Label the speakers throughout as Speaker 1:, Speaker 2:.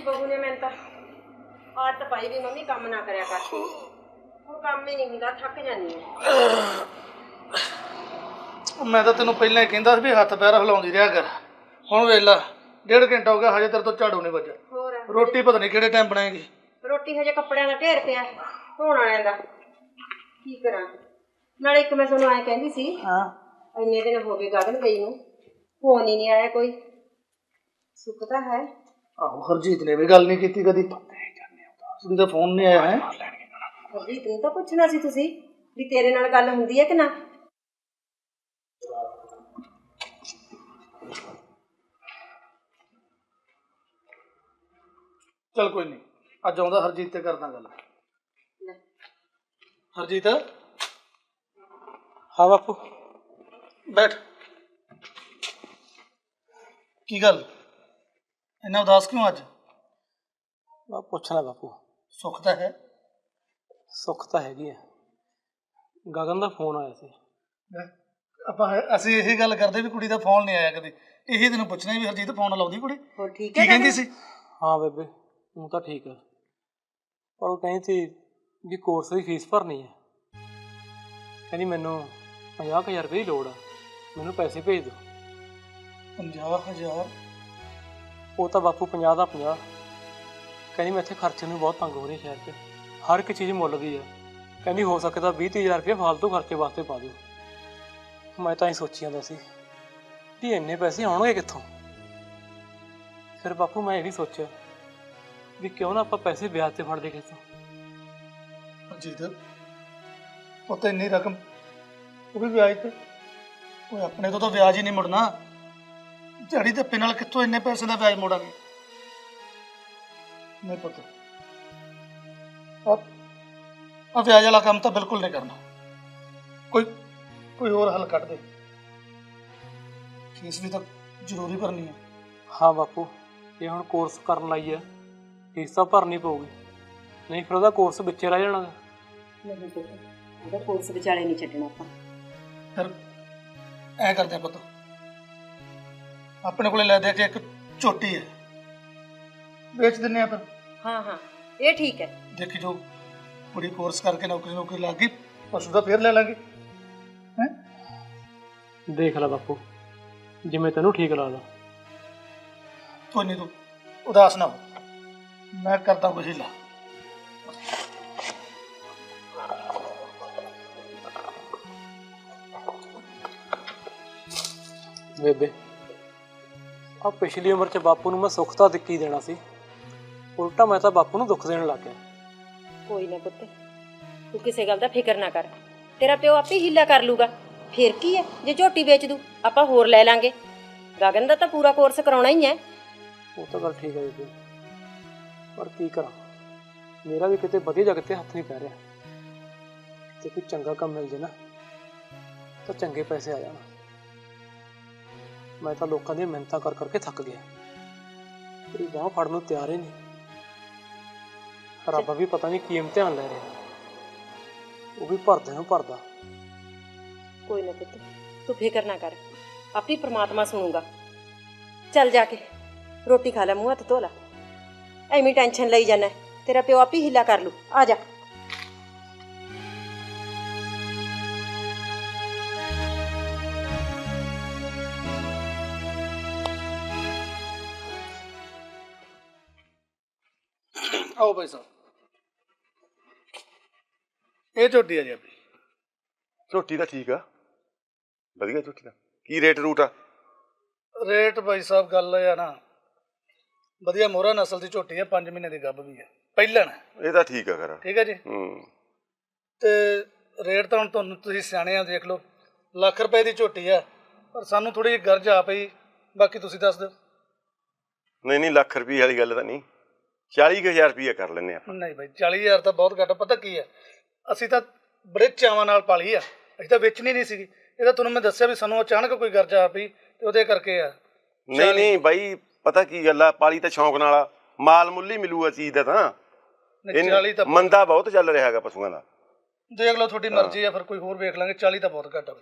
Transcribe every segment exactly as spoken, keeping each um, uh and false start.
Speaker 1: बहू ने मैंने आदत पाई भी मम्मी काम ना करया कर ਹੁਣ ਕੰਮ ਹੀ ਨਹੀਂ ਹੁੰਦਾ ਥੱਕ ਜਾਂਦੀ ਹਾਂ।
Speaker 2: ਮੈਂ ਤਾਂ ਤੈਨੂੰ ਪਹਿਲਾਂ ਹੀ ਕਹਿੰਦਾ ਸੀ ਵੀ ਹੱਥ ਪੈਰ ਹਿਲਾਉਂਦੀ ਰਿਹਾ ਕਰ। ਹੁਣ ਵੇਖ ਲਾ ਡੇਢ ਘੰਟਾ ਹੋ ਗਿਆ ਹਜੇ ਤੇਰੇ ਤੋਂ ਝਾੜੂ ਨਹੀਂ ਵੱਜਿਆ।
Speaker 1: ਹੋਰ
Speaker 2: ਰੋਟੀ ਪਤਾ ਨਹੀਂ ਕਿਹੜੇ ਟਾਈਮ ਬਣਾਏਗੀ।
Speaker 1: ਰੋਟੀ ਹਜੇ ਕੱਪੜਿਆਂ ਦਾ ਢੇਰ ਪਿਆ ਧੋਣ ਵਾਲਿਆਂ ਦਾ ਕੀ ਕਰਾਂ। ਨਾਲੇ ਇੱਕ ਮੈਂ ਤੁਹਾਨੂੰ ਐਂ ਕਹਿੰਦੀ ਸੀ
Speaker 2: ਹਾਂ
Speaker 1: ਇੰਨੇ ਦਿਨ ਹੋ ਗਏ ਗਗਨ ਗਈ ਨੂੰ ਫੋਨ ਹੀ ਨਹੀਂ ਆਇਆ ਕੋਈ। ਸੁੱਖ ਤਾਂ ਹੈ।
Speaker 2: ਆਹੋ ਹਰਜੀਤ ਨੇ ਵੀ ਗੱਲ ਨਹੀਂ ਕੀਤੀ ਕਦੀ। ਉਸਦੀ ਤਾਂ ਫੋਨ ਨਹੀਂ ਆਇਆ ਹੈ।
Speaker 1: ਹਰਜੀਤ ਨੂੰ ਤਾਂ ਪੁੱਛਣਾ ਸੀ ਤੁਸੀਂ ਵੀ ਤੇਰੇ ਨਾਲ ਗੱਲ ਹੁੰਦੀ ਹੈ ਕਿ ਨਾ।
Speaker 2: चल कोई नहीं अज आउंदा हरजीत ते करदा गल। हरजीत
Speaker 3: हाँ बापू
Speaker 2: बैठ। की गल इन्ना उदास क्यों अज?
Speaker 3: मैं पूछना बापू।
Speaker 2: सुख तो है?
Speaker 3: सुख तो हैगी है। गगन का फोन आया सी।
Speaker 2: ਆਪਾਂ ਅਸੀਂ ਇਹੀ ਗੱਲ ਕਰਦੇ ਵੀ ਕੁੜੀ ਦਾ ਫੋਨ ਨਹੀਂ ਆਇਆ ਕਦੇ। ਇਹੀ ਤੈਨੂੰ ਪੁੱਛਣਾ ਵੀ ਹਰਜੀਤ ਫੋਨ ਲਾਉਂਦੀ ਕੁੜੀ?
Speaker 1: ਹੋਰ ਠੀਕ ਹੈ
Speaker 2: ਕੀ ਕਹਿੰਦੀ ਸੀ?
Speaker 3: हाँ बेबे हूँ तो ठीक है पर वो कहीं थी भी कोर्स की फीस भरनी है। कहनी मैनू पचास हज़ार रुपये की लोड़ है मैनू पैसे भेज दो।
Speaker 2: पंजाह हज़ार?
Speaker 3: वो तो बापू पचास का पचास। कहनी मैं इतने खर्चे में बहुत तंग हो रही शहर से हर एक चीज़ मुल गई है। कहनी हो सके तो बीस तीस हज़ार रुपये फालतू खर्चे वास्ते पा दो। मैं तो ही सोची जाता सी भी इन्ने पैसे आउणगे कित्थों। फिर बापू मैं ये भी सोचा भी क्यों ना आप पैसे ब्याज से फड़ दे कितों।
Speaker 2: हरजीत पुत इन्नी रकम वो भी ब्याज ते कोई अपने तो तो ब्याज ही नहीं मुड़ना। दिहाड़ी धप्पे नाल कित्थों इन्ने पैसे का ब्याज मोड़ांगे? नहीं पुत अब अब ब्याज वाला काम तो बिल्कुल नहीं करना। कोई कोई और हल कट दे। फीस भी तो जरूरी भरनी है।
Speaker 3: हाँ बापू ये हुण कोर्स करन लई है फीस तो भरनी पऊगी नहीं फिर ਉਹਦਾ कोर्स ਵਿੱਚੇ ਰਹਿ ਜਾਣਾ।
Speaker 1: नहीं पुत ਉਹਦਾ ਕੋਰਸ ਵਿਚਾਲੇ नहीं ਛੱਡਣਾ ਆਪਾਂ।
Speaker 2: फिर ऐ करते हैं पुत अपने को ले दे के एक झोटी है बेच दिन्ने फिर।
Speaker 1: हाँ हाँ ये ठीक है।
Speaker 2: देखी जो कुड़ी कोर्स करके नौकरी नौकरी लग गई पशु का फिर ले लेंगे हैं।
Speaker 3: देख ला बापू जिवें तैनूं ठीक लगदा।
Speaker 2: कोई नहीं तू उदास ना हो मैं करता हूँ कुछ हीला।
Speaker 3: बेबे आ पिछली उम्र च बापू नूं मैं सुख तां दिक्की देना सी उल्टा मैं तां बापू नूं दुख देण लग गया।
Speaker 1: कोई ना पुत तू किसी गल दा फिक्र ना कर तेरा प्यो आपे हीला कर लूगा। फिर की है जे झोटी बेच दू आपां होर ले लांगे। गगन दा तां पूरा कोर्स कराउणा ही है।
Speaker 3: वो तो गल ठीक है बेबे पर की करा मेरा भी किते वधिया जगह ते हथ नहीं पै रहा। ते कोई चंगा काम मिल जाए ना तो चंगे पैसे आ जाना। मैं तो लोगों दी मिहनतां कर करके थक गया। तेरी बांह फड़न नूं तैयार ही नहीं। रब भी पता नहीं की इम्तिहान ले रहा वो भी भरदे नूं भरदा।
Speaker 1: कोई ना पुत तू फिक्र ना कर आप ही परमात्मा सुनूगा। चल जाके रोटी खा ला मुँह हथ धो ला एवें टेंशन लई जाना तेरा प्यो आप ही हीला कर लू। आ जा
Speaker 2: आओ भाई साहब ये झोटी है जी अपनी।
Speaker 4: ਝੋਟੀ ਤਾਂ ਠੀਕ ਆ ਵਧੀਆ ਝੋਟੀ ਦਾ ਕੀ ਰੇਟ ਰੂਟ ਆ?
Speaker 2: रेट भाई साहब गल है ना वधिया मोहरा नस्ल की झोटी है पांच महीने की गब भी है पहलन है।
Speaker 4: ਇਹ ਤਾਂ ਠੀਕ ਆ ਖਰਾ।
Speaker 2: ठीक है जी
Speaker 4: ਹੂੰ
Speaker 2: ਤੇ ਰੇਟ ਤਾਂ ਹੁਣ ਤੁਹਾਨੂੰ ਤੁਸੀਂ ਸਿਆਣੇ ਆ ਦੇਖ ਲਓ ਲੱਖ ਰੁਪਏ ਦੀ ਝੋਟੀ ਆ ਪਰ ਸਾਨੂੰ ਥੋੜੀ ਜਿਹੀ ਗਰਜ ਆ ਪਈ ਬਾਕੀ ਤੁਸੀਂ ਦੱਸ ਦਿਓ।
Speaker 4: ਨਹੀਂ ਨਹੀਂ ਲੱਖ ਰੁਪਏ ਵਾਲੀ ਗੱਲ ਤਾਂ ਨਹੀਂ ਚਾਲੀ ਕੁ ਹਜ਼ਾਰ ਰੁਪਈਆ ਕਰ ਲੈਂਦੇ ਆਪਾਂ।
Speaker 2: ਨਹੀਂ ਬਾਈ ਚਾਲੀ ਹਜ਼ਾਰ ਤਾਂ ਬਹੁਤ ਘੱਟ। ਪਤਾ ਕੀ ਹੈ ਅਸੀਂ ਤਾਂ ਬੜੇ ਚਾਵਾਂ ਨਾਲ ਪਾਲੀ ਆ ਅਸੀਂ ਤਾਂ ਵੇਚਣੀ ਨਹੀਂ ਸੀਗੀ। ਇਹ ਤਾਂ ਤੁਹਾਨੂੰ ਮੈਂ ਦੱਸਿਆ ਵੀ ਸਾਨੂੰ ਅਚਾਨਕ ਕੋਈ ਗਰਜ ਆ ਪਈ ਤੇ ਉਹਦੇ ਕਰਕੇ ਆ।
Speaker 4: ਨਹੀਂ ਨਹੀਂ ਬਾਈ ਪਤਾ ਕੀ ਗੱਲ ਆ ਪਾਲੀ ਤਾਂ ਸ਼ੌਂਕ ਨਾਲ ਆ ਮਾਲ ਮੁੱਲ ਹੀ ਮਿਲੂਗਾ ਚੀਜ਼ ਦਾ ਤਾਂ।
Speaker 2: ਚਾਲੀ ਤਾਂ
Speaker 4: ਮੰਦਾ ਬਹੁਤ ਚੱਲ ਰਿਹਾ ਹੈਗਾ ਪਸ਼ੂਆਂ ਦਾ।
Speaker 2: ਦੇਖ ਲਓ ਤੁਹਾਡੀ ਮਰਜ਼ੀ ਆ ਫਿਰ ਕੋਈ ਹੋਰ ਵੇਖ ਲਾਂਗੇ। ਚਾਲੀ ਤਾਂ ਬਹੁਤ ਘੱਟ ਆ।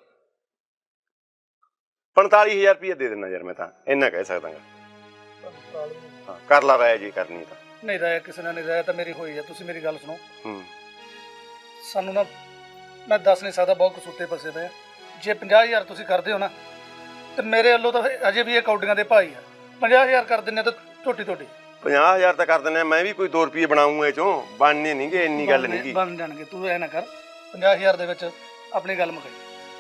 Speaker 4: ਪੰਤਾਲੀ ਹਜ਼ਾਰ ਰੁਪਈਆ ਦੇ ਦੇਣਾ ਯਾਰ ਮੈਂ ਤਾਂ ਇੰਨਾ ਕਹਿ ਸਕਦਾ।
Speaker 2: ਪੰਤਾਲੀ
Speaker 4: ਹਾਂ ਕਰ ਲਾ ਰਾਏ ਜੇ ਕਰਨੀ ਤਾਂ।
Speaker 2: ਨਹੀਂ ਰਾਇ ਕਿਸੇ ਨਾਲ ਨਹੀਂ, ਰਾਇ ਤਾਂ ਮੇਰੀ ਹੋਈ ਹੈ। ਤੁਸੀਂ ਮੇਰੀ ਗੱਲ ਸੁਣੋ,
Speaker 4: ਹੂੰ
Speaker 2: ਸਾਨੂੰ ਨਾ ਮੈਂ ਦੱਸ ਨਹੀਂ ਸਕਦਾ, ਬਹੁਤ ਕਸੂਤੇ ਫਸੇ ਪਏ ਆ। ਜੇ ਪੰਜਾਹ ਹਜ਼ਾਰ ਤੁਸੀਂ ਕਰਦੇ ਹੋ ਨਾ ਤੇ ਮੇਰੇ ਵੱਲੋਂ ਤਾਂ ਅਜੇ ਵੀ ਇਹ ਕੌਡੀਆਂ ਦੇ ਭਾਈ ਆ। ਪੰਜਾਹ ਹਜ਼ਾਰ ਕਰ ਦਿੰਦੇ ਤਾਂ ਝੋਟੀ ਝੋਟੀ
Speaker 4: ਪੰਜਾਹ ਹਜ਼ਾਰ ਤਾਂ ਕਰ ਦਿੰਦੇ ਆ, ਮੈਂ ਵੀ ਕੋਈ ਦੋ ਰੁਪਏ ਬਣਾਉਂਗਾ ਇਹ ਚੋਂ, ਬਣਨੇ ਨਹੀਂਗੇ, ਇੰਨੀ ਗੱਲ ਨਹੀਂਗੀ।
Speaker 2: ਬਣ ਜਾਣਗੇ, ਤੂੰ ਐ ਨਾ ਕਰ, ਪੰਜਾਹ ਹਜ਼ਾਰ ਦੇ ਵਿੱਚ ਆਪਣੀ ਗੱਲ ਮੁਕਾਈ।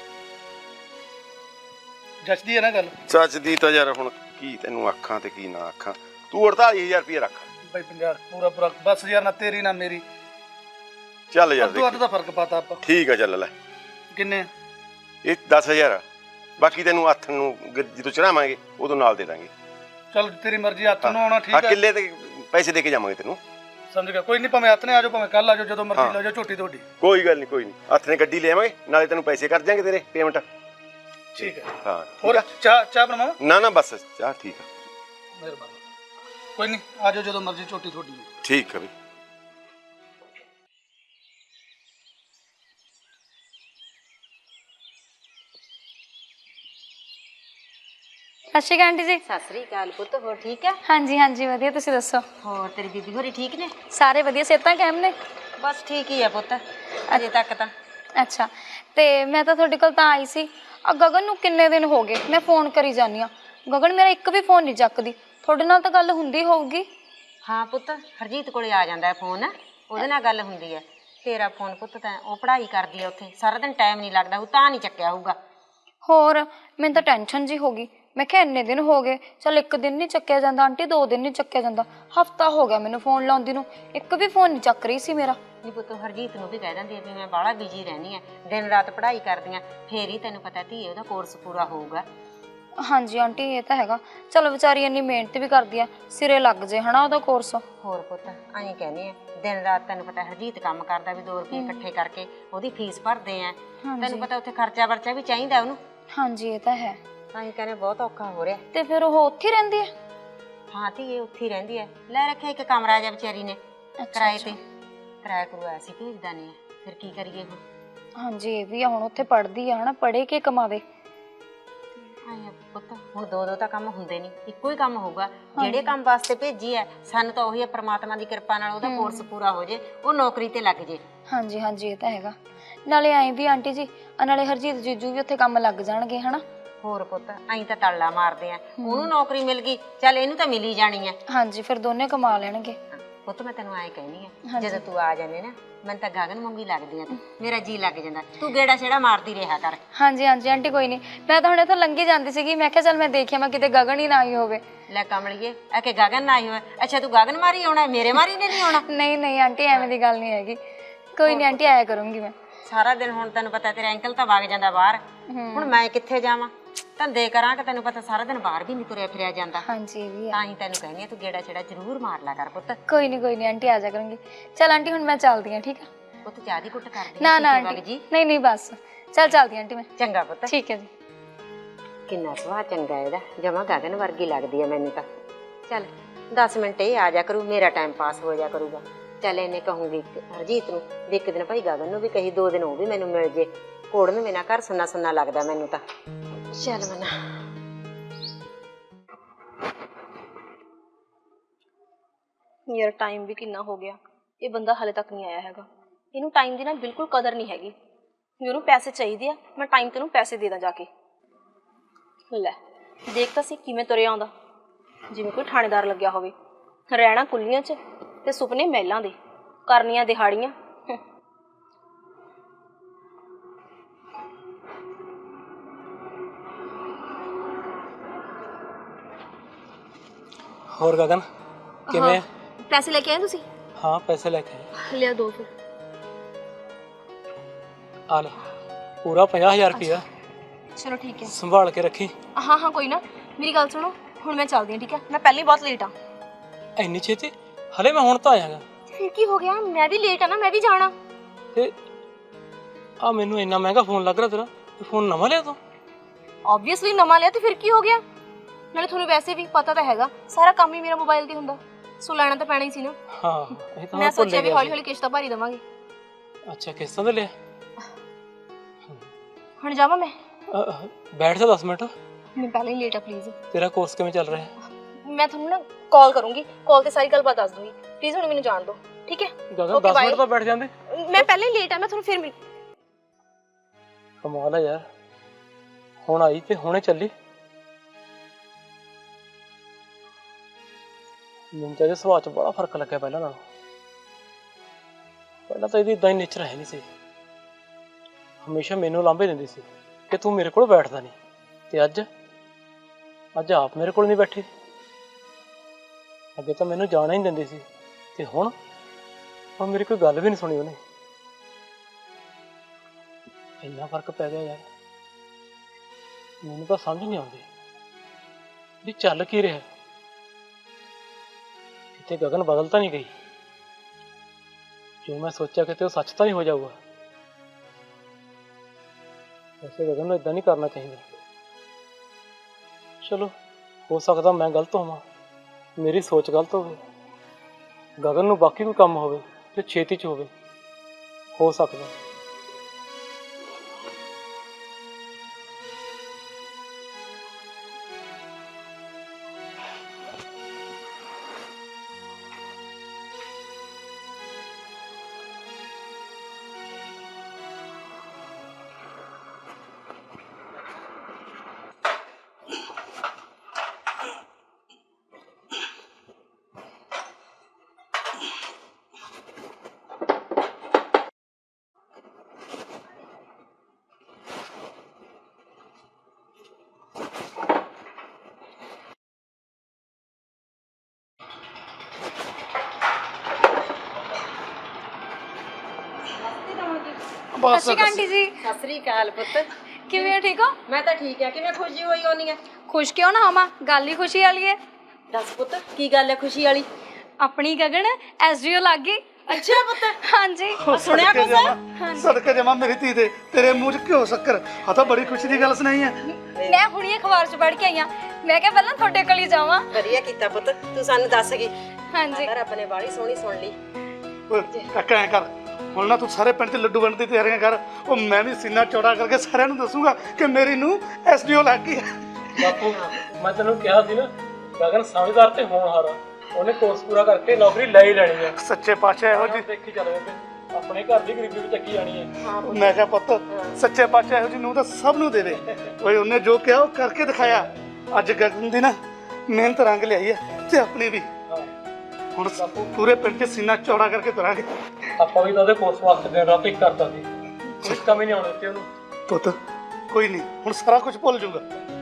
Speaker 2: ਜੱਚਦੀ ਹੈ ਨਾ ਗੱਲ?
Speaker 4: ਸੱਚ ਦੀ ਤਾਂ ਯਾਰ ਹੁਣ ਕੀ ਤੈਨੂੰ ਆਖਾਂ ਤੇ ਕੀ ਨਾ ਆਖਾਂ। ਤੂੰ ਅੜਤਾਲੀ ਹਜ਼ਾਰ ਰੁਪਏ ਰੱਖ
Speaker 2: ਬਈ। ਪੰਜਾਹ ਪੂਰਾ ਪੂਰਾ ਬਸ ਯਾਰ, ਨਾ ਤੇਰੀ ਨਾ ਮੇਰੀ,
Speaker 4: ਚੱਲ ਯਾਰ
Speaker 2: ਅੱਧੋ ਅੱਧ
Speaker 4: ਦੇਖੀ।
Speaker 2: ਦਾ ਫਰਕ ਪਾਤਾ ਆਪਾਂ।
Speaker 4: ਠੀਕ ਆ ਚੱਲ ਲੈ,
Speaker 2: ਕਿੰਨੇ?
Speaker 4: ਇਹ ਦਸ ਹਜ਼ਾਰ ਆ, ਬਾਕੀ ਤੈਨੂੰ ਹੱਥ ਨੂੰ ਗ- ਜਦੋਂ ਚੜਾਵਾਂਗੇ ਉਦੋਂ ਨਾਲ ਦੇ ਦਾਂਗੇ।
Speaker 2: ਚੱਲ ਤੇਰੀ ਮਰਜ਼ੀ, ਹੱਥ ਨੂੰ ਆਉਣਾ
Speaker 4: ਹਾਂ
Speaker 2: ਠੀਕ ਹੈ।
Speaker 4: ਕਿੱਲੇ ਤੇ ਪੈਸੇ ਦੇ ਕੇ ਜਾਵਾਂਗੇ ਤੈਨੂੰ।
Speaker 2: ਸਮਝ ਗਿਆ, ਕੋਈ ਨਹੀਂ, ਭਾਵੇਂ ਹੱਥ ਨੇ ਆ ਜਾਓ, ਭਾਵੇਂ ਕੱਲ ਆ ਜਾਓ, ਜਦੋਂ ਮਰਜ਼ੀ ਲੈ ਜਾਓ, ਝੋਟੀ ਤੁਹਾਡੀ।
Speaker 4: ਕੋਈ ਗੱਲ ਨਹੀਂ, ਕੋਈ ਨਹੀਂ, ਹੱਥ ਨੇ ਗੱਡੀ ਲੈ ਆਵਾਂਗੇ, ਨਾਲੇ ਤੈਨੂੰ ਪੈਸੇ ਕਰ ਦਿਆਂਗੇ ਤੇਰੇ ਪੇਮੈਂਟ।
Speaker 2: ਠੀਕ ਹੈ।
Speaker 4: ਹਾਂ
Speaker 2: ਹੋਰ ਚਾਹ ਚਾਹ ਬਣਾਵਾਂ?
Speaker 4: ਨਾ ਨਾ ਬਸ ਚਾਹ ਠੀਕ ਆ।
Speaker 2: ਮਿਹਰਬਾਨੀ। ਕੋਈ ਨਹੀਂ, ਆ ਜਾਓ ਜਦੋਂ ਮਰਜ਼ੀ, ਝੋਟੀ ਤੁਹਾਡੀ ਹੈ।
Speaker 4: ਠੀਕ ਆ ਬਈ।
Speaker 5: ਸਤਿ ਸ਼੍ਰੀ ਅਕਾਲ ਆਂਟੀ ਜੀ।
Speaker 1: ਸਤਿ ਸ੍ਰੀ ਅਕਾਲ ਪੁੱਤ, ਹੋਰ ਠੀਕ ਹੈ?
Speaker 5: ਹਾਂਜੀ ਹਾਂਜੀ ਵਧੀਆ, ਤੁਸੀਂ ਦੱਸੋ?
Speaker 1: ਹੋਰ ਤੇਰੀ ਬੀਬੀ ਹੋਰੀ ਠੀਕ ਨੇ?
Speaker 5: ਸਾਰੇ ਵਧੀਆ, ਸਿਹਤਾਂ ਕਾਇਮ ਨੇ?
Speaker 1: ਬਸ ਠੀਕ ਹੀ ਆ ਪੁੱਤ, ਅਜੇ ਤੱਕ ਤਾਂ।
Speaker 5: ਅੱਛਾ, ਤੇ ਮੈਂ ਤਾਂ ਤੁਹਾਡੇ ਕੋਲ ਤਾਂ ਆਈ ਸੀ। ਆ ਗਗਨ ਨੂੰ ਕਿੰਨੇ ਦਿਨ ਹੋ ਗਏ ਮੈਂ ਫੋਨ ਕਰੀ ਜਾਂਦੀ ਆ, ਗਗਨ ਮੇਰਾ ਇੱਕ ਵੀ ਫੋਨ ਨਹੀਂ ਚੱਕਦੀ। ਤੁਹਾਡੇ ਨਾਲ ਤਾਂ ਗੱਲ ਹੁੰਦੀ ਹੋਊਗੀ?
Speaker 1: ਹਾਂ ਪੁੱਤ, ਹਰਜੀਤ ਕੋਲੇ ਆ ਜਾਂਦਾ ਹੈ ਫੋਨ, ਉਹਦੇ ਨਾਲ ਗੱਲ ਹੁੰਦੀ ਹੈ। ਤੇਰਾ ਫੋਨ ਪੁੱਤ ਤਾਂ ਉਹ ਪੜ੍ਹਾਈ ਕਰਦੀ ਹੈ ਉੱਥੇ, ਸਾਰਾ ਦਿਨ ਟਾਈਮ ਨਹੀਂ ਲੱਗਦਾ, ਉਹ ਤਾਂ ਨਹੀਂ ਚੱਕਿਆ ਹੋਊਗਾ।
Speaker 5: ਹੋਰ ਮੈਨੂੰ ਤਾਂ ਟੈਨਸ਼ਨ ਜੀ ਹੋ ਗਈ। ਮੈਂ ਕਿਹਾ ਇੰਨੇ ਦਿਨ ਹੋ ਗਏ, ਚੱਲ ਇੱਕ ਦਿਨ ਨਹੀਂ ਚੱਕਿਆ ਜਾਂਦਾ ਆਂਟੀ, ਦੋ ਦਿਨ ਨਹੀਂ ਚੱਕਿਆ ਜਾਂਦਾ, ਹਫਤਾ ਹੋ ਗਿਆ ਮੈਨੂੰ ਫੋਨ ਲਾਉਂਦੀ ਨੂੰ, ਇੱਕ ਵੀ ਫੋਨ ਨਹੀਂ ਚੱਕ ਰਹੀ ਸੀ ਮੇਰਾ।
Speaker 1: ਨਹੀਂ ਪੁੱਤ, ਹਰਜੀਤ ਨੂੰ ਵੀ ਕਹਿ ਦਿੰਦੀ ਹੈ ਵੀ ਮੈਂ ਬਾਹਲਾ ਬਿਜੀ ਰਹਿੰਦੀ ਹਾਂ, ਦਿਨ ਰਾਤ ਪੜ੍ਹਾਈ ਕਰਦੀ ਹਾਂ, ਫੇਰ ਹੀ ਤੈਨੂੰ ਪਤਾ ਧੀਏ ਉਹਦਾ ਕੋਰਸ ਪੂਰਾ ਹੋਊਗਾ।
Speaker 5: ਹਾਂਜੀ ਆਂਟੀ ਇਹ ਤਾਂ ਹੈਗਾ, ਚਲੋ ਵਿਚਾਰੀ ਇੰਨੀ ਮਿਹਨਤ ਵੀ ਕਰਦੀ ਆ, ਸਿਰੇ ਲੱਗ ਜੇ ਹਨਾ ਉਹਦਾ ਕੋਰਸ।
Speaker 1: ਹੋਰ ਪੁੱਤ ਐਂ ਕਹਿੰਦੇ ਆ, ਦਿਨ ਰਾਤ ਤੈਨੂੰ ਪਤਾ ਹਰਜੀਤ ਕੰਮ ਕਰਦਾ, ਵੀ ਦੋ ਰੁਪਏ ਇਕੱਠੇ ਕਰਕੇ ਉਹਦੀ ਫੀਸ ਭਰਦੇ ਆ। ਤੈਨੂੰ ਪਤਾ ਉੱਥੇ ਖਰਚਾ ਵਰਚਾ ਵੀ ਚਾਹੀਦਾ ਉਹਨੂੰ।
Speaker 5: ਹਾਂਜੀ ਇਹ ਤਾਂ ਹੈ।
Speaker 1: ਅਸੀਂ ਕਹਿੰਦੇ ਬਹੁਤ ਔਖਾ ਹੋ ਰਿਹਾ।
Speaker 5: ਤੇ ਫਿਰ ਉਹ ਉੱਥੇ ਰਹਿੰਦੀ ਹੈ?
Speaker 1: ਹਾਂ ਧੀਏ ਉੱਥੇ ਹੀ ਰਹਿੰਦੀ ਹੈ, ਲੈ ਰੱਖਿਆ ਇੱਕ ਕਮਰਾ ਜਿਹਾ ਵਿਚਾਰੀ ਨੇ ਕਿਰਾਏ ਤੇ, ਕਿਰਾਇਆ ਕਰਵਾਇਆ ਸੀ, ਭੇਜਦਾ ਨਹੀਂ ਹੈ, ਫਿਰ ਕੀ ਕਰੀਏ ਹੁਣ।
Speaker 5: ਹਾਂਜੀ ਇਹ ਵੀ ਆ, ਹੁਣ ਉੱਥੇ ਪੜ੍ਹਦੀ ਆ ਹਨਾ, ਪੜ੍ਹੇ ਕੇ ਕਮਾਵੇ।
Speaker 1: ਆਏ ਪੁੱਤ, ਹੁਣ ਦੋ ਦੋ ਤਾਂ ਕੰਮ ਹੁੰਦੇ ਨਹੀਂ, ਇੱਕੋ ਹੀ ਕੰਮ ਹੋਊਗਾ। ਜਿਹੜੇ ਕੰਮ ਵਾਸਤੇ ਭੇਜੀ ਹੈ, ਸਾਨੂੰ ਤਾਂ ਉਹੀ ਹੈ, ਪ੍ਰਮਾਤਮਾ ਦੀ ਕਿਰਪਾ ਨਾਲ ਉਹਦਾ ਕੋਰਸ ਪੂਰਾ ਹੋ ਜੇ, ਉਹ ਨੌਕਰੀ ਤੇ ਲੱਗ ਜੇ। ਹਾਂਜੀ
Speaker 5: ਹਾਂਜੀ ਇਹ ਤਾਂ ਹੈਗਾ। ਨਾਲੇ ਐਂ ਵੀ ਆਂਟੀ ਜੀ, ਨਾਲੇ ਹਰਜੀਤ ਜੀਜੂ ਵੀ ਉੱਥੇ ਕੰਮ ਲੱਗ ਜਾਣਗੇ ਹਨਾ।
Speaker 1: ਹੋਰ ਪੁੱਤ ਅਸੀਂ ਤਾਂ ਤੜਲਾ ਮਾਰਦੇ ਆ, ਉਹਨੂੰ ਨੌਕਰੀ ਮਿਲ ਗਈ, ਚੱਲ ਇਹਨੂੰ ਤਾਂ ਮਿਲ ਹੀ ਜਾਣੀ ਹੈ।
Speaker 5: ਹਾਂਜੀ ਫਿਰ ਦੋਨੇ ਕਮਾ ਲੈਣਗੇ।
Speaker 1: ਪੁੱਤ ਮੈਂ ਤੈਨੂੰ ਐਂ ਕਹਿਨੀ ਆ, ਜਦੋਂ ਤੂੰ ਆ ਜਾਂਦੇ ਨਾ, ਮੈਨੂੰ ਤਾਂ ਗਗਨ ਵਾਂਗੀ ਲੱਗਦੀ ਆ ਤੂੰ, ਮੇਰਾ ਜੀ ਲੱਗ ਜਾਂਦਾ, ਤੂੰ ਗੇੜਾ ਛੇੜਾ ਮਾਰਦੀ ਰਿਹਾ ਕਰ।
Speaker 5: ਹਾਂਜੀ ਹਾਂਜੀ ਆਂਟੀ ਕੋਈ ਨਹੀਂ, ਮੈਂ ਤਾਂ ਹੁਣ ਇੱਥੋਂ ਲੰਘੀ ਜਾਂਦੀ ਸੀਗੀ, ਮੈਂ ਕਿਹਾ ਚੱਲ ਮੈਂ ਦੇਖਿਆ ਮੈਂ ਕਿਤੇ ਗਗਨ ਹੀ ਨਾ ਆਈ ਹੋਵੇ।
Speaker 1: ਲੈ ਕਮਲੀਏ, ਆ ਕੇ ਗਗਨ ਨਾ ਆਈ ਹੋਵੇ? ਅੱਛਾ ਤੂੰ ਗਗਨ ਮਾਰੀ ਆਉਣਾ, ਮੇਰੇ ਮਾਰੀ ਨੇ ਨਹੀਂ ਆਉਣਾ?
Speaker 5: ਨਹੀਂ ਨਹੀਂ ਆਂਟੀ ਐਵੇਂ ਦੀ ਗੱਲ ਨਹੀਂ ਹੈਗੀ, ਕੋਈ ਨਹੀਂ ਆਂਟੀ ਆਇਆ ਕਰੂੰਗੀ ਮੈਂ।
Speaker 1: ਸਾਰਾ ਦਿਨ ਹੁਣ ਤੈਨੂੰ ਪਤਾ ਤੇਰਾ ਅੰਕਲ ਤਾਂ ਵਗ ਜਾਂਦਾ ਬਾਹਰ, ਹੁਣ ਮੈਂ ਕਿੱਥੇ ਜਾਵਾਂ, ਧੰਦੇ ਕਰਾਂ ਕਿ ਤੈਨੂੰ ਪਤਾ ਸਾਰਾ ਦਿਨ ਬਾਹਰ ਵੀ ਨਹੀਂ ਤੁਰਿਆ ਫਿਰਿਆ ਜਾਂਦਾ।
Speaker 5: ਹਾਂਜੀ ਇਹ ਵੀ ਆ।
Speaker 1: ਤਾਂ ਹੀ ਤੈਨੂੰ ਕਹਿੰਦੀ ਆ, ਤੂੰ ਗੇੜਾ ਛੇੜਾ ਜ਼ਰੂਰ ਮਾਰ ਲਿਆ ਕਰ ਪੁੱਤ।
Speaker 5: ਕੋਈ ਨਹੀਂ ਕੋਈ ਨਹੀਂ ਆਂਟੀ ਆ ਜਾ ਕਰੂੰਗੀ। ਚੱਲ ਆਂਟੀ ਹੁਣ ਮੈਂ ਚੱਲਦੀ ਹਾਂ, ਠੀਕ ਆ?
Speaker 1: ਪੁੱਤ ਚਾਹ ਦੀ ਕੁੱਟ ਕਰਦੀ
Speaker 5: ਨਾ ਨਾ ਆਂਟੀ ਨਹੀਂ ਨਹੀਂ ਬਸ, ਚੱਲ ਚੱਲਦੀ ਆਂਟੀ ਮੈਂ।
Speaker 1: ਚੰਗਾ ਪੁੱਤ।
Speaker 5: ਠੀਕ ਹੈ ਜੀ।
Speaker 1: ਕਿੰਨਾ ਸੁਭਾਅ ਚੰਗਾ ਇਹਦਾ, ਜਮਾ ਗਗਨ ਵਰਗੀ ਲੱਗਦੀ ਆ ਮੈਨੂੰ ਤਾਂ। ਚੱਲ ਦਸ ਮਿੰਟ ਇਹ ਆ ਜਾ ਕਰੂ, ਮੇਰਾ ਟਾਈਮ ਪਾਸ ਹੋ ਜਾ ਕਰੂਗਾ। ਚੱਲ ਇਹਨੇ ਕਹੂੰਗੀ ਹਰਜੀਤ ਨੂੰ ਵੀ ਇੱਕ ਦਿਨ ਭਾਈ ਗਗਨ ਨੂੰ ਵੀ ਕਹੀ, ਦੋ ਦਿਨ ਉਹ ਵੀ ਮੈਨੂੰ ਮਿਲ ਜੇ, ਕੋੜਨ ਬਿਨਾਂ ਘਰ ਸੁੰਨਾ ਸੁੰਨਾ ਲੱਗਦਾ ਮੈਨੂੰ ਤਾਂ। ਚੱਲ ਮਨਾ
Speaker 6: ਯਾਰ ਟਾਈਮ ਵੀ ਕਿੰਨਾ ਹੋ ਗਿਆ, ਇਹ ਬੰਦਾ ਹਾਲੇ ਤੱਕ ਨਹੀਂ ਆਇਆ ਹੈਗਾ। ਇਹਨੂੰ ਟਾਈਮ ਦੀ ਨਾ ਬਿਲਕੁਲ ਕਦਰ ਨਹੀਂ ਹੈਗੀ। ਮੈਨੂੰ ਪੈਸੇ ਚਾਹੀਦੇ ਆ, ਮੈਂ ਟਾਈਮ ਤੈਨੂੰ ਪੈਸੇ ਦੇ ਦਾਂ ਜਾ ਕੇ। ਲੈ ਦੇਖ ਤਾਂ ਸੀ ਕਿਵੇਂ ਤੁਰਿਆ ਆਉਂਦਾ, ਜਿਵੇਂ ਕੋਈ ਥਾਣੇਦਾਰ ਲੱਗਿਆ ਹੋਵੇ। ਰਹਿਣਾ ਕੁੱਲੀਆਂ 'ਚ ਤੇ ਸੁਪਨੇ ਮਹਿਲਾਂ ਦੇ, ਕਰਨੀਆਂ ਦਿਹਾੜੀਆਂ।
Speaker 3: ਹੋਰ ਗਗਨ ਕਿਵੇਂ?
Speaker 6: ਪੈਸੇ ਲੈ ਕੇ ਆਏ ਤੁਸੀਂ?
Speaker 3: ਹਾਂ ਪੈਸੇ ਲੈ ਕੇ ਆਏ।
Speaker 6: ਲਿਆ ਦੋ ਫਿਰ।
Speaker 3: ਆ ਲੈ ਪੂਰਾ ਪੰਜਾਹ ਹਜ਼ਾਰ ਰੁਪਇਆ,
Speaker 6: ਚਲੋ ਠੀਕ ਹੈ।
Speaker 3: ਸੰਭਾਲ ਕੇ ਰੱਖੀ।
Speaker 6: ਹਾਂ ਹਾਂ ਕੋਈ ਨਾ, ਮੇਰੀ ਗੱਲ ਸੁਣੋ, ਹੁਣ ਮੈਂ ਚੱਲਦੀ ਹਾਂ ਠੀਕ ਹੈ? ਮੈਂ ਪਹਿਲਾਂ ਹੀ ਬਹੁਤ ਲੇਟ ਆ।
Speaker 3: ਇੰਨੀ ਛੇਤੀ? ਹਲੇ ਮੈਂ ਹੁਣ ਤਾਂ ਆਇਆਗਾ।
Speaker 6: ਫਿਰ ਕੀ ਹੋ ਗਿਆ, ਮੈਂ ਵੀ ਲੇਟ ਆ ਨਾ, ਮੈਂ ਵੀ ਜਾਣਾ।
Speaker 3: ਤੇ ਆ ਮੈਨੂੰ ਇੰਨਾ ਮਹਿੰਗਾ ਫੋਨ ਲੱਗ ਰਿਹਾ ਤੇਰਾ, ਇਹ ਫੋਨ ਨਵਾਂ ਲਿਆ ਤੂੰ?
Speaker 6: ਆਬਵੀਅਸਲੀ ਨਵਾਂ ਲਿਆ, ਤੇ ਫਿਰ ਕੀ ਹੋ ਗਿਆ? ਨਾਲੇ ਤੁਹਾਨੂੰ ਵੈਸੇ ਵੀ ਪਤਾ ਤਾਂ ਹੈਗਾ ਸਾਰਾ ਕੰਮ ਹੀ ਮੇਰਾ ਮੋਬਾਈਲ ਤੇ ਹੁੰਦਾ, ਸੋ ਲੈਣਾ ਤਾਂ ਪੈਣਾ ਹੀ ਸੀ ਨਾ।
Speaker 3: ਹਾਂ ਇਹ ਤਾਂ
Speaker 6: ਮੈਂ ਸੋਚਿਆ ਵੀ ਹੌਲੀ ਹੌਲੀ ਕਿਸ਼ਤਾਂ ਭਰੀ ਦੇਵਾਂਗੇ।
Speaker 3: ਅੱਛਾ ਕਿਸ਼ਤਾਂ ਤੇ ਲਿਆ?
Speaker 6: ਹੁਣ ਜਾਵਾਂ ਮੈਂ?
Speaker 3: ਬੈਠ ਜਾ ਦਸ ਮਿੰਟ।
Speaker 6: ਮੈਂ ਪਹਿਲਾਂ ਹੀ ਲੇਟ ਆ ਪਲੀਜ਼।
Speaker 3: ਤੇਰਾ ਕੋਰਸ ਕਿਵੇਂ ਚੱਲ ਰਿਹਾ?
Speaker 6: ਮੈਂ ਤੁਹਾਨੂੰ ਨਾ ਕਾਲ ਕਰੂੰਗੀ, ਕਾਲ ਤੇ ਸਾਰੀ ਗੱਲਬਾਤ ਦੱਸ ਦੂੰਗੀ। ਪਲੀਜ਼ ਹੁਣ ਮੈਨੂੰ ਜਾਣ ਦਿਓ, ਠੀਕ ਹੈ?
Speaker 3: ਗਗਨ
Speaker 6: Okay,
Speaker 3: ਦਸ
Speaker 6: bye.
Speaker 3: ਮਿੰਟ ਤਾਂ ਬੈਠ ਜਾਂਦੇ।
Speaker 6: ਮੈਂ ਪਹਿਲੇ ਲੇਟ ਆ, ਮੈਂ ਤੁਹਾਨੂੰ ਫਿਰ ਮਿਲ
Speaker 3: ਕਮਾਲ ਹੈ ਯਾਰ, ਹੁਣ ਆਈ ਤੇ ਹੁਣੇ ਚੱਲੀ। ਮੈਨੂੰ ਤਾਂ ਇਹਦੇ ਸੁਭਾਅ 'ਚ ਬੜਾ ਫਰਕ ਲੱਗਿਆ ਪਹਿਲਾਂ ਨਾਲੋਂ। ਪਹਿਲਾਂ ਤਾਂ ਇਹਦੀ ਇਦਾਂ ਹੀ ਨੇਚਰ ਹੈ ਨਹੀਂ ਸੀ, ਹਮੇਸ਼ਾ ਮੈਨੂੰ ਲਾਂਭੇ ਦਿੰਦੀ ਸੀ ਕਿ ਤੂੰ ਮੇਰੇ ਕੋਲ ਬੈਠਦਾ ਨਹੀਂ, ਤੇ ਅੱਜ ਅੱਜ ਆਪ ਮੇਰੇ ਕੋਲ ਨਹੀਂ ਬੈਠੀ। ਅੱਗੇ ਤਾਂ ਮੈਨੂੰ ਜਾਣਾ ਹੀ ਨਹੀਂ ਦਿੰਦੀ ਸੀ, ਤੇ ਹੁਣ ਹੁਣ ਮੇਰੀ ਕੋਈ ਗੱਲ ਵੀ ਨਹੀਂ ਸੁਣੀ ਉਹਨੇ। ਇੰਨਾ ਫਰਕ ਪੈ ਗਿਆ ਯਾਰ, ਮੈਨੂੰ ਤਾਂ ਸਮਝ ਨਹੀਂ ਆਉਂਦੀ ਵੀ ਚੱਲ ਕੀ ਰਿਹਾ। ਕਿਤੇ ਗਗਨ ਬਦਲ ਤਾਂ ਨਹੀਂ ਗਈ, ਜੋ ਮੈਂ ਸੋਚਿਆ ਕਿਤੇ ਉਹ ਸੱਚ ਤਾਂ ਨਹੀਂ ਹੋ ਜਾਊਗਾ। ਵੈਸੇ ਗਗਨ ਨੂੰ ਇਦਾਂ ਨਹੀਂ ਕਰਨਾ ਚਾਹੀਦਾ। ਚਲੋ, ਹੋ ਸਕਦਾ ਮੈਂ ਗਲਤ ਹੋਵਾਂ, ਮੇਰੀ ਸੋਚ ਗਲਤ ਹੋਵੇ, ਗਗਨ ਨੂੰ ਬਾਕੀ ਕੋਈ ਕੰਮ ਹੋਵੇ ਤੇ ਛੇਤੀ 'ਚ ਹੋਵੇ, ਹੋ ਸਕਦਾ।
Speaker 2: ਬਸ
Speaker 5: ਸਤਿ ਸ਼੍ਰੀ ਅਕਾਲ ਆਂਟੀ ਜੀ।
Speaker 1: ਸਤਿ ਸ੍ਰੀ ਅਕਾਲ ਪੁੱਤ।
Speaker 5: ਕਿਵੇਂ ਹੋ, ਠੀਕ ਹੋ?
Speaker 1: ਮੈਂ ਤਾਂ ਠੀਕ ਆ, ਕਿਵੇਂ ਖੁਸ਼ੀ ਹੋਈ ਹੋਣੀ ਆ?
Speaker 5: ਖੁਸ਼ ਕਿਉਂ ਨਾ ਹੋਵਾਂ, ਗੱਲ ਹੀ ਖੁਸ਼ੀ ਵਾਲੀ ਹੈ।
Speaker 1: ਦੱਸ ਪੁੱਤ, ਕੀ ਗੱਲ ਹੈ ਖੁਸ਼ੀ ਵਾਲੀ?
Speaker 5: ਆਪਣੀ ਗਗਨ ਐਸਡੀਓ ਲੱਗ ਗਈ।
Speaker 1: ਅੱਛਾ ਪੁੱਤ,
Speaker 5: ਹਾਂਜੀ।
Speaker 1: ਸੁਣਿਆ ਕੁਛ?
Speaker 2: ਸਦਕੇ ਜਮਾ ਮੇਰੀ ਧੀ ਦੇ, ਤੇਰੇ ਮੂੰਹ 'ਚ ਘਿਓ ਸ਼ੱਕਰ। ਆ ਤਾਂ ਬੜੀ ਖੁਸ਼ੀ ਦੀ ਗੱਲ ਸੁਣਾਈ ਹੈ।
Speaker 5: ਮੈਂ ਹੁਣੀ ਅਖਬਾਰ 'ਚ ਪੜ੍ਹ ਕੇ ਆਈ ਹਾਂ, ਮੈਂ ਕਿਹਾ ਪਹਿਲਾਂ ਤੁਹਾਡੇ ਕੋਲ ਹੀ ਜਾਵਾਂ।
Speaker 1: ਵਧੀਆ ਕੀਤਾ ਪੁੱਤ, ਤੂੰ ਸਾਨੂੰ ਦੱਸ ਗਈ।
Speaker 5: ਹਾਂਜੀ।
Speaker 1: ਰੱਬ ਨੇ ਬਾੜੀ ਸੋਹਣੀ ਸੁਣ ਲਈ।
Speaker 2: ਓਏ ਕਾਕਾ ਐਂ ਕਰ, ਹੁਣ ਨਾ ਤੂੰ ਸਾਰੇ ਪਿੰਡ 'ਚ ਲੱਡੂ ਵੰਡਣ ਦੀ ਤਿਆਰੀਆਂ ਕਰ। ਉਹ ਮੈਂ ਵੀ ਸੀਨਾ ਚੌੜਾ ਕਰਕੇ ਸਾਰਿਆਂ ਨੂੰ ਦੱਸੂਗਾ ਕਿ ਮੇਰੀ ਨੂੰ ਐਸਡੀਓ ਲੱਗ ਗਈ ਹੈ।
Speaker 3: ਬਾਪੂ, ਮੈਂ ਤੈਨੂੰ ਕਿਹਾ ਸੀ ਨਾ, ਗਗਨ ਸਮਝਦਾਰ ਤੇ ਹੋਣਹਾਰ ਆ, ਉਹਨੇ ਕੋਰਸ ਪੂਰਾ ਕਰਕੇ ਨੌਕਰੀ ਲੈ ਹੀ ਲੈਣੀ ਹੈ।
Speaker 2: ਸੱਚੇ ਪਾਤਸ਼ਾਹ ਇਹੋ ਜੀ,
Speaker 3: ਦੇਖੀ ਚੱਲ ਜਾਂਦੇ, ਆਪਣੇ ਘਰ ਦੀ ਗਰੀਬੀ ਵੀ ਚੱਕੀ ਜਾਣੀ ਹੈ।
Speaker 2: ਮੈਂ ਕਿਹਾ ਪੁੱਤ, ਸੱਚੇ ਪਾਤਸ਼ਾਹ ਇਹੋ ਜੀ ਨੂੰ ਤਾਂ ਸਭ ਨੂੰ ਦੇਵੇ। ਓਏ ਉਹਨੇ ਜੋ ਕਿਹਾ ਉਹ ਕਰਕੇ ਦਿਖਾਇਆ। ਅੱਜ ਗਗਨ ਦੀ ਨਾ ਮਿਹਨਤ ਰੰਗ ਲਿਆਈ ਹੈ, ਤੇ ਆਪਣੀ ਵੀ। ਹੁਣ ਪੂਰੇ ਪਿੰਡ 'ਚ ਸੀਨਾ ਚੌੜਾ ਕਰਕੇ ਤੁਰਾਂਗੇ।
Speaker 3: ਆਪਾਂ ਵੀ ਤਾਂ ਉਹਦੇ ਕੋਰਸ ਵਾਸਤੇ ਦਿਨ ਰਾਤ ਇੱਕ ਕਰਦਾ ਸੀ, ਕੁਛ ਕਮੀ ਨਹੀਂ ਆਉਣ ਦਿੱਤੀ ਉਹਨੂੰ।
Speaker 2: ਪੁੱਤ ਕੋਈ ਨਹੀਂ, ਹੁਣ ਸਾਰਾ ਕੁਝ ਭੁੱਲ ਜਾਊਗਾ।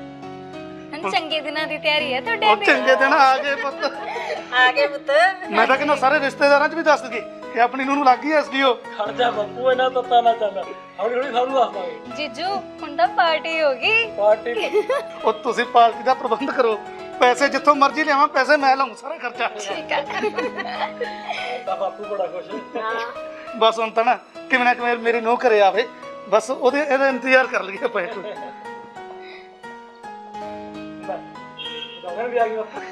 Speaker 5: ਹੁਣ ਚੰਗੇ ਦਿਨਾਂ ਦੀ ਤਿਆਰੀ ਹੈ ਤੁਹਾਡੇ
Speaker 2: ਉਹ
Speaker 5: ਦੀ।
Speaker 2: ਚੰਗੇ ਦਿਨ ਆ ਗਏ ਪੁੱਤ,
Speaker 1: ਆ ਗਏ ਪੁੱਤ।
Speaker 2: ਮੈਂ ਤਾਂ ਕਹਿੰਦਾ ਸਾਰੇ ਰਿਸ਼ਤੇਦਾਰਾਂ 'ਚ ਵੀ ਦੱਸ ਦਈਏ ਕਿ ਆਪਣੀ ਨੂੰ ਲੱਗ ਗਈ ਐਸਡੀਓ।
Speaker 3: ਖੜ ਜਾ ਬਾਪੂ, ਇਹਨਾਂ ਤੱਤਾ ਨਾ ਚੱਲ, ਹੌਲੀ ਹੌਲੀ ਸਭ ਨੂੰ ਦੱਸ ਦਾਂਗੇ।
Speaker 5: ਜੀਜੂ ਹੁਣ ਤਾਂ ਪਾਰਟੀ ਹੋ ਗਈ।
Speaker 3: ਪਾਰਟੀ
Speaker 2: ਉਹ ਤੁਸੀਂ ਪਾਰਟੀ ਦਾ ਪ੍ਰਬੰਧ ਕਰੋ, ਪੈਸੇ ਜਿੱਥੋਂ ਮਰਜ਼ੀ ਲਿਆਵਾਂ, ਪੈਸੇ ਮੈਂ ਲਾਉਂ ਸਾਰਾ ਖਰਚਾ।
Speaker 5: ਠੀਕ ਹੈ।
Speaker 3: ਤਾਂ ਬਾਪੂ ਬੜਾ ਖੁਸ਼ ਹੈ।
Speaker 2: ਬਸ ਹੁਣ ਤਾਂ ਨਾ ਕਿਵੇਂ ਨਾ ਕਿਵੇਂ ਮੇਰੀ ਨੂੰਹ ਘਰੇ ਆਵੇ, ਬਸ ਉਹਦੇ ਇਹਦਾ ਇੰਤਜ਼ਾਰ ਕਰ ਲਈਏ ਆਪਾਂ ਇੱਕ।
Speaker 3: ਗਗਨ ਵੀ ਆ ਗਈ ਬਾਪੂ।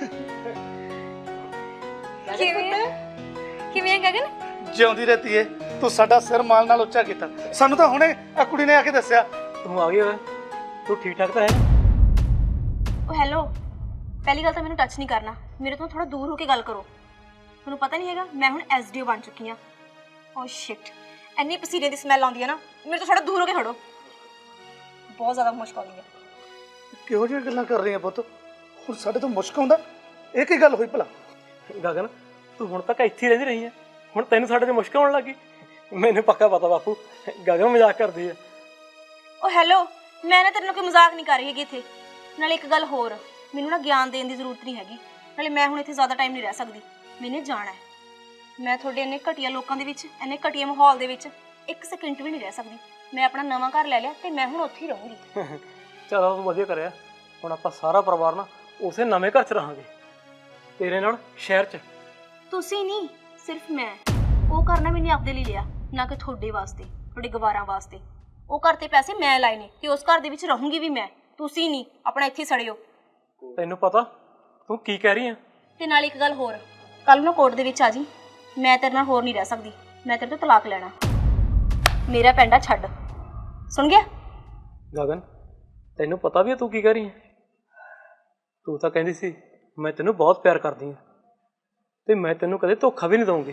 Speaker 5: ਕਿਵੇਂ ਕਿਵੇਂ ਹੈ ਗਗਨ?
Speaker 2: ਜਿਉਂਦੀ ਰਹਤੀ ਏ, ਤੂੰ ਸਾਡਾ ਸਿਰ ਮਾਲ ਨਾਲ ਉੱਚਾ ਕੀਤਾ। ਸਾਨੂੰ ਤਾਂ ਹੁਣੇ ਆ ਕੁੜੀ ਨੇ ਆ ਕੇ ਦੱਸਿਆ।
Speaker 3: ਤੂੰ ਆ ਗਈ ਓਏ, ਤੂੰ ਠੀਕ ਠਾਕ ਤਾਂ ਹੈ?
Speaker 6: ਉਹ ਹੈਲੋ, ਪਹਿਲੀ ਗੱਲ ਤਾਂ ਮੈਨੂੰ ਟੱਚ ਨਹੀਂ ਕਰਨਾ, ਮੇਰੇ ਤੋਂ ਥੋੜਾ ਦੂਰ ਹੋ ਕੇ ਗੱਲ ਕਰੋ। ਤੁਹਾਨੂੰ ਪਤਾ ਨਹੀਂ ਹੈਗਾ ਮੈਂ ਹੁਣ ਐਸਡੀਓ ਬਣ ਚੁੱਕੀ ਹਾਂ। ਓ ਸ਼ਿਟ, ਇੰਨੀ ਪਸੀਨੇ ਦੀ ਸਮੈਲ ਆਉਂਦੀ ਹੈ ਨਾ, ਮੇਰੇ ਤੋਂ ਥੋੜਾ ਦੂਰ ਹੋ ਕੇ ਖੜੋ। ਬਹੁਤ ਜ਼ਿਆਦਾ ਮੁਸ਼ਕ ਆਉਂਦੀ ਹੈ।
Speaker 2: ਕਿਹੋ ਜਿਹੀਆਂ ਗੱਲਾਂ ਕਰ ਰਹੀਆਂ ਪੁੱਤ? ਹੁਣ ਸਾਡੇ ਤੋਂ ਮੁਸ਼ਕ ਆਉਂਦਾ? ਇਹ ਕੀ ਗੱਲ ਹੋਈ ਭਲਾ?
Speaker 3: ਗਗਨ, ਤੂੰ ਹੁਣ ਤੱਕ ਇੱਥੇ ਹੀ ਰਹਿੰਦੀ ਰਹੀ ਹੈ, ਹੁਣ ਤੈਨੂੰ ਸਾਡੇ ਤੇ ਮੁਸ਼ਕਲ ਆਉਣ ਲੱਗੀ? ਮੈਨੂੰ ਪੱਕਾ ਪਤਾ ਬਾਪੂ, ਗਗਨ ਮਜ਼ਾਕ ਕਰਦੀ ਹੈ।
Speaker 6: ਉਹ ਹੈਲੋ, ਮੈਂ ਨਾ ਤੇਰੇ ਨਾਲ ਕੋਈ ਮਜ਼ਾਕ ਨਹੀਂ ਕਰ ਰਹੀ ਹੈਗੀ ਇੱਥੇ। ਨਾਲੇ ਇੱਕ ਗੱਲ ਹੋਰ, ਮੈਨੂੰ ਨਾ ਗਿਆਨ ਦੇਣ ਦੀ ਜ਼ਰੂਰਤ ਨਹੀਂ ਹੈਗੀ। ਨਾਲੇ ਮੈਂ ਹੁਣ ਇੱਥੇ ਜ਼ਿਆਦਾ ਟਾਈਮ ਨਹੀਂ ਰਹਿ ਸਕਦੀ, ਮੈਨੇ ਜਾਣਾ ਹੈ। ਮੈਂ ਤੁਹਾਡੇ ਇੰਨੇ ਘਟੀਆ ਲੋਕਾਂ ਦੇ ਵਿੱਚ, ਇੰਨੇ ਘਟੀਆ ਮਾਹੌਲ ਦੇ ਵਿੱਚ ਇੱਕ ਸੈਕਿੰਡ ਵੀ ਨਹੀਂ ਰਹਿ ਸਕਦੀ। ਮੈਂ ਆਪਣਾ ਨਵਾਂ ਘਰ ਲੈ ਲਿਆ ਤੇ ਮੈਂ ਹੁਣ ਉੱਥੇ ਹੀ ਰਹੂੰਗੀ।
Speaker 3: ਚਲੋ ਤੂੰ ਵਧੀਆ ਕਰਿਆ, ਹੁਣ ਆਪਾਂ ਸਾਰਾ ਪਰਿਵਾਰ ਨਾ ਉਸੇ ਨਵੇਂ ਘਰ 'ਚ ਰਹਾਂਗੇ, ਤੇਰੇ ਨਾਲ ਸ਼ਹਿਰ 'ਚ।
Speaker 6: ਤੁਸੀਂ ਨਹੀਂ, ਸਿਰਫ ਮੈਂ। ਉਹ ਘਰ ਨਾ ਮੈਨੇ ਆਪਦੇ ਲਈ ਲਿਆ, ਨਾ ਕਿ ਤੁਹਾਡੇ ਵਾਸਤੇ, ਤੁਹਾਡੇ ਗਵਾਰਾਂ ਵਾਸਤੇ। ਉਹ ਘਰ ਤੇ ਪੈਸੇ ਮੈਂ ਲਾਏ ਨੇ ਤੇ ਉਸ ਘਰ ਦੇ ਵਿੱਚ ਰਹੂੰਗੀ ਵੀ ਮੈਂ, ਤੁਸੀਂ ਨਹੀਂ। ਆਪਣਾ ਇੱਥੇ ਸੜਿਓ।
Speaker 3: ਤੈਨੂੰ ਪਤਾ ਤੂੰ ਕੀ ਕਹਿ ਰਹੀ ਹੈ?
Speaker 6: ਤੇ ਨਾਲ ਇੱਕ ਗੱਲ ਹੋਰ, ਕੱਲ ਨੂੰ ਕੋਰਟ ਦੇ ਵਿੱਚ ਆ ਜੀ। ਮੈਂ ਤੇਰੇ ਨਾਲ ਹੋਰ ਨਹੀਂ ਰਹਿ ਸਕਦੀ, ਮੈਂ ਤੇਰੇ ਤੋਂ ਤਲਾਕ ਲੈਣਾ। ਮੇਰਾ ਪੈਂਡਾ ਛੱਡ, ਸੁਣ ਗਿਆ?
Speaker 3: ਗਗਨ, ਤੈਨੂੰ ਪਤਾ ਵੀ ਹੈ ਤੂੰ ਕੀ ਕਹਿ ਰਹੀ ਹੈ? ਤੂੰ ਤਾਂ ਕਹਿੰਦੀ ਸੀ ਮੈਂ ਤੈਨੂੰ ਬਹੁਤ ਪਿਆਰ ਕਰਦੀ ਹਾਂ ਤੇ ਮੈਂ ਤੈਨੂੰ ਕਦੇ ਧੋਖਾ ਵੀ ਨਹੀਂ ਦਊਂਗੀ।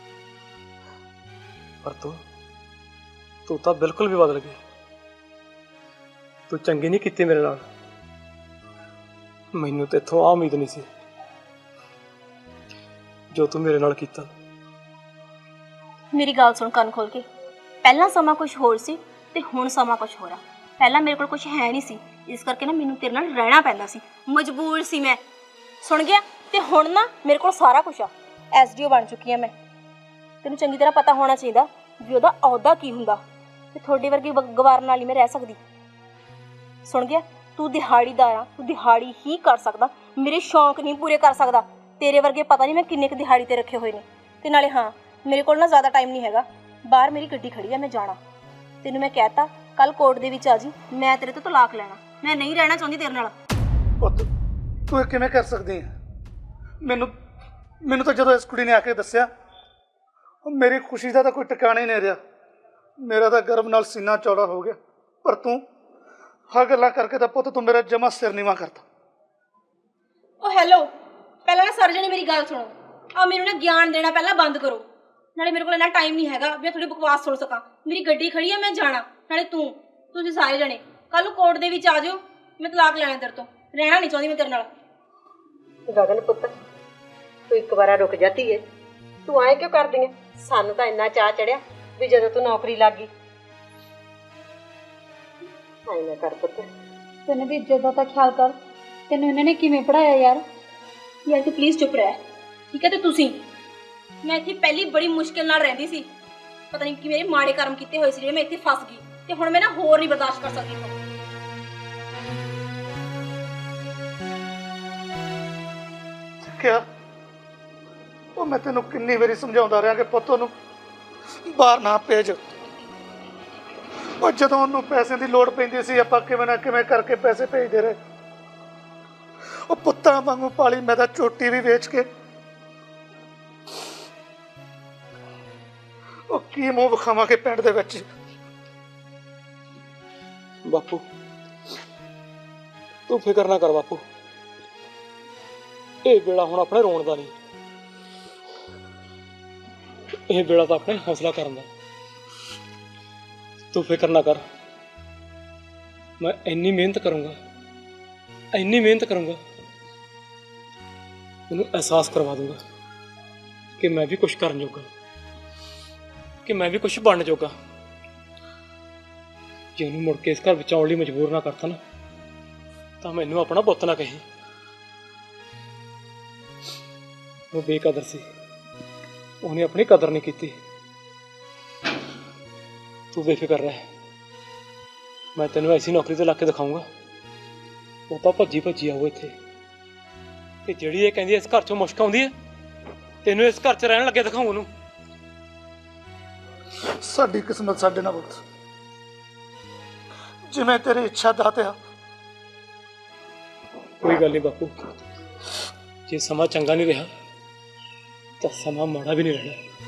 Speaker 3: ਪਰ ਤੂੰ ਤੂੰ ਤਾਂ ਬਿਲਕੁਲ ਵੀ ਬਦਲ ਗਈ। ਤੂੰ ਚੰਗੀ ਨਹੀਂ ਕੀਤੀ ਮੇਰੇ ਨਾਲ। ਮੈਨੂੰ ਤੇਥੋਂ ਆ ਉਮੀਦ ਨਹੀਂ ਸੀ ਜੋ ਤੂੰ ਮੇਰੇ ਨਾਲ ਕੀਤਾ।
Speaker 6: ਮੇਰੀ ਗੱਲ ਸੁਣ ਕੰਨ ਖੋਲ ਕੇ। ਪਹਿਲਾਂ ਸਮਾਂ ਕੁਝ ਹੋਰ ਸੀ ਤੇ ਹੁਣ ਸਮਾਂ ਕੁਝ ਹੋਰ ਆ। ਪਹਿਲਾਂ ਮੇਰੇ ਕੋਲ ਕੁਝ ਹੈ ਨਹੀਂ ਸੀ, ਇਸ ਕਰਕੇ ਨਾ ਮੈਨੂੰ ਤੇਰੇ ਨਾਲ ਰਹਿਣਾ ਪੈਂਦਾ ਸੀ, ਮਜਬੂਰ ਸੀ ਮੈਂ। ਸੁਣ ਗਿਆ? ਤੇ ਹੁਣ ਨਾ ਮੇਰੇ ਕੋਲ ਸਾਰਾ ਕੁਝ ਆ। ਐਸਡੀਓ ਬਣ ਚੁੱਕੀ ਆ ਮੈਂ। ਤੈਨੂੰ ਚੰਗੀ ਤਰ੍ਹਾਂ ਪਤਾ ਹੋਣਾ ਚਾਹੀਦਾ ਵੀ ਉਹਦਾ ਅਹੁਦਾ ਕੀ ਹੁੰਦਾ, ਤੇ ਤੁਹਾਡੇ ਵਰਗੀ ਗ- ਗਵਾਰ ਨਾਲ ਹੀ ਮੈਂ ਰਹਿ ਸਕਦੀ। ਸੁਣ ਗਿਆ? ਤੂੰ ਦਿਹਾੜੀਦਾਰ ਆ, ਤੂੰ ਦਿਹਾੜੀ ਹੀ ਕਰ ਸਕਦਾ, ਮੇਰੇ ਸ਼ੌਂਕ ਨਹੀਂ ਪੂਰੇ ਕਰ ਸਕਦਾ। ਤੇਰੇ ਵਰਗੇ ਪਤਾ ਨਹੀਂ ਮੈਂ ਕਿੰਨੇ ਕੁ ਦਿਹਾੜੀ ਤੇ ਰੱਖੇ ਹੋਏ ਨੇ। ਤੇ ਨਾਲੇ ਹਾਂ, ਮੇਰੇ ਕੋਲ ਨਾ ਜ਼ਿਆਦਾ ਟਾਈਮ ਨਹੀਂ ਹੈਗਾ। ਬਾਹਰ ਮੇਰੀ ਗੱਡੀ ਖੜੀ ਆ, ਮੈਂ ਜਾਣਾ। ਤੈਨੂੰ ਮੈਂ ਕਹਿਤਾ ਕੱਲ ਕੋਰਟ ਦੇ ਵਿੱਚ ਆ ਜੀ, ਮੈਂ ਤੇਰੇ ਤੋਂ ਤਲਾਕ ਲੈਣਾ। ਮੈਂ ਨਹੀਂ ਰਹਿਣਾ ਚਾਹੁੰਦੀ ਤੇਰੇ ਨਾਲ।
Speaker 2: ਪੁੱਤ ਤੂੰ ਇਹ ਕਿਵੇਂ ਕਰ ਸਕਦੀ ਹੈ? ਮੈਨੂੰ ਮੈਨੂੰ ਤਾਂ ਜਦੋਂ ਇਸ ਕੁੜੀ ਨੇ ਆ ਕੇ ਦੱਸਿਆ, ਉਹ ਮੇਰੀ ਖੁਸ਼ੀ ਦਾ ਤਾਂ ਕੋਈ ਟਿਕਾਣਾ ਹੀ ਨਹੀਂ ਰਿਹਾ। ਮੇਰਾ ਤਾਂ ਗਰਵ ਨਾਲ ਸੀਨਾ ਚੌੜਾ ਹੋ ਗਿਆ। ਪਰ ਤੂੰ ਹਾਂ ਗੱਲਾਂ ਕਰਕੇ ਤਾਂ ਪੁੱਤ ਤੂੰ ਮੇਰਾ ਜਮਾ ਸਿਰ ਨੀਵਾਂ ਕਰਤਾ।
Speaker 6: ਓ ਹੈਲੋ, ਪਹਿਲਾਂ ਨਾ ਸਾਰੇ ਜਣੇ ਮੇਰੀ ਗੱਲ ਸੁਣੋ। ਆ ਮੈਨੂੰ ਨਾ ਗਿਆਨ ਦੇਣਾ ਪਹਿਲਾਂ ਬੰਦ ਕਰੋ। ਨਾਲੇ ਮੇਰੇ ਕੋਲ ਇੰਨਾ ਟਾਈਮ ਨਹੀਂ ਹੈਗਾ ਵੀ ਮੈਂ ਥੋੜੀ ਬਕਵਾਸ ਸੁਣ ਸਕਾਂ। ਮੇਰੀ ਗੱਡੀ ਖੜੀ ਆ, ਮੈਂ ਜਾਣਾ। ਨਾਲੇ ਤੂੰ ਤੁਸੀਂ ਸਾਰੇ ਜਣੇ ਕੱਲ ਨੂੰ ਕੋਰਟ ਦੇ ਵਿੱਚ ਆ ਜਾਓ, ਮੈਂ ਤਲਾਕ ਲੈਣਾ ਤੇਰੇ ਤੋਂ। ਰਹਿਣਾ ਨਹੀਂ ਚਾਹੁੰਦੀ ਮੈਂ ਤੇਰੇ ਨਾਲ।
Speaker 1: ਗਗਨ ਪੁੱਤ, ਤੂੰ ਇੱਕ ਵਾਰਾ ਰੁਕ ਜਾਤੀ ਏ। ਤੂੰ ਆਏ ਕਿਉਂ ਕਰਦੀ ਏ? ਸਾਨੂੰ ਤਾਂ ਇੰਨਾ ਚਾਅ ਚੜਿਆ ਵੀ ਜਦੋਂ ਤੂੰ ਨੌਕਰੀ ਲੱਗ ਗਈ। ਆਏ ਨਾ ਕਰ ਪੁੱਤ।
Speaker 5: ਤੈਨੂੰ ਵੀ ਇੱਜ਼ਤ ਦਾ ਤਾਂ ਖਿਆਲ ਕਰ। ਤੈਨੂੰ ਇਹਨਾਂ ਨੇ ਕਿਵੇਂ ਪੜਾਇਆ ਯਾਰ?
Speaker 6: ਯਾਰ ਤੂੰ ਪਲੀਜ਼ ਚੁੱਪ ਰਹਿ, ਠੀਕ ਹੈ? ਤੇ ਤੁਸੀਂ, ਮੈਂ ਇੱਥੇ ਪਹਿਲੀ ਬੜੀ ਮੁਸ਼ਕਿਲ ਨਾਲ ਰਹਿੰਦੀ ਸੀ। ਪਤਾ ਨਹੀਂ ਕਿ ਮੇਰੇ ਮਾੜੇ ਕਰਮ ਕੀਤੇ ਹੋਏ ਸੀ ਜਿਹੜੇ ਮੈਂ ਇੱਥੇ ਫਸ ਗਈ। ਤੇ ਹੁਣ ਮੈਂ ਨਾ ਹੋਰ ਨਹੀਂ ਬਰਦਾਸ਼ਤ ਕਰ ਸਕਦੀ ਇੱਥੋਂ।
Speaker 2: ਕਿਹਾ ਉਹ ਮੈਂ ਤੈਨੂੰ ਕਿੰਨੀ ਵਾਰੀ ਸਮਝਾਉਂਦਾ ਰਿਹਾ ਕਿ ਪੁੱਤ ਉਹਨੂੰ ਬਾਹਰ ਨਾ ਭੇਜ। ਉਹ ਜਦੋਂ ਉਹਨੂੰ ਪੈਸੇ ਦੀ ਲੋੜ ਪੈਂਦੀ ਸੀ, ਆਪਾਂ ਕਿਵੇਂ ਨਾ ਕਿਵੇਂ ਕਰਕੇ ਪੈਸੇ ਭੇਜਦੇ ਰਹੇ। ਉਹ ਪੁੱਤਾਂ ਵਾਂਗੂ ਪਾਲੀ ਮੈਂ ਤਾਂ ਝੋਟੀ ਵੀ ਵੇਚ ਕੇ। ਉਹ ਕੀ ਮੂੰਹ ਵਿਖਾਵਾਂਗੇ ਪਿੰਡ ਦੇ ਵਿੱਚ।
Speaker 3: ਬਾਪੂ ਤੂੰ ਫਿਕਰ ਨਾ ਕਰ ਬਾਪੂ, ਇਹ ਵੇਲਾ ਹੁਣ ਆਪਣੇ ਰੋਣ ਦਾ ਨਹੀਂ, ਇਹ ਵੇਲਾ ਤਾਂ ਆਪਣੇ ਹੌਸਲਾ ਕਰਨ ਦਾ। ਤੂੰ ਫਿਕਰ ਨਾ ਕਰ, ਮੈਂ ਇੰਨੀ ਮਿਹਨਤ ਕਰੂੰਗਾ, ਇੰਨੀ ਮਿਹਨਤ ਕਰੂੰਗਾ, ਮੈਨੂੰ ਅਹਿਸਾਸ ਕਰਵਾ ਦੂੰਗਾ ਕਿ ਮੈਂ ਵੀ ਕੁਝ ਕਰਨ ਜੋਗਾ, ਕਿ ਮੈਂ ਵੀ ਕੁਝ ਬਣਨ ਜੋਗਾ। ਜੇ ਉਹਨੂੰ ਮੁੜ ਕੇ ਇਸ ਘਰ ਵਿੱਚ ਆਉਣ ਲਈ ਮਜਬੂਰ ਨਾ ਕਰਤਾ ਨਾ, ਤਾਂ ਮੈਨੂੰ ਆਪਣਾ ਪੁੱਤ ਨਾ ਕਹੀ। ਉਹ ਬੇਕਦਰ ਸੀ, ਉਹਨੇ ਆਪਣੀ ਕਦਰ ਨਹੀਂ ਕੀਤੀ। ਤੂੰ ਬੇਫਿਕਰ ਰਹਿ, ਮੈਂ ਤੈਨੂੰ ਐਸੀ ਨੌਕਰੀ ਤੇ ਲਾ ਕੇ ਦਿਖਾਊਂਗਾ, ਉਹ ਤਾਂ ਭੱਜੀ ਭੱਜੀ ਆਊ ਇੱਥੇ। ਤੇ ਜਿਹੜੀ ਇਹ ਕਹਿੰਦੀ ਇਸ ਘਰ ਚੋਂ ਮੁਸ਼ਕ ਆਉਂਦੀ ਹੈ, ਤੈਨੂੰ ਇਸ ਘਰ 'ਚ ਰਹਿਣ ਲੱਗੇ ਦਿਖਾਊਂ ਉਹਨੂੰ।
Speaker 2: ਸਾਡੀ ਕਿਸਮਤ ਸਾਡੇ ਨਾਲ ਪੁੱਤ, ਜਿਵੇਂ ਤੇਰੀ ਇੱਛਾ ਦਾਤਿਆ।
Speaker 3: ਕੋਈ ਗੱਲ ਨਹੀਂ ਬਾਪੂ, ਜੇ ਸਮਾਂ ਚੰਗਾ ਨਹੀਂ ਰਿਹਾ ਤਾਂ ਸਮਾਂ ਮਾੜਾ ਵੀ ਨਹੀਂ ਰਹਿਣਾ।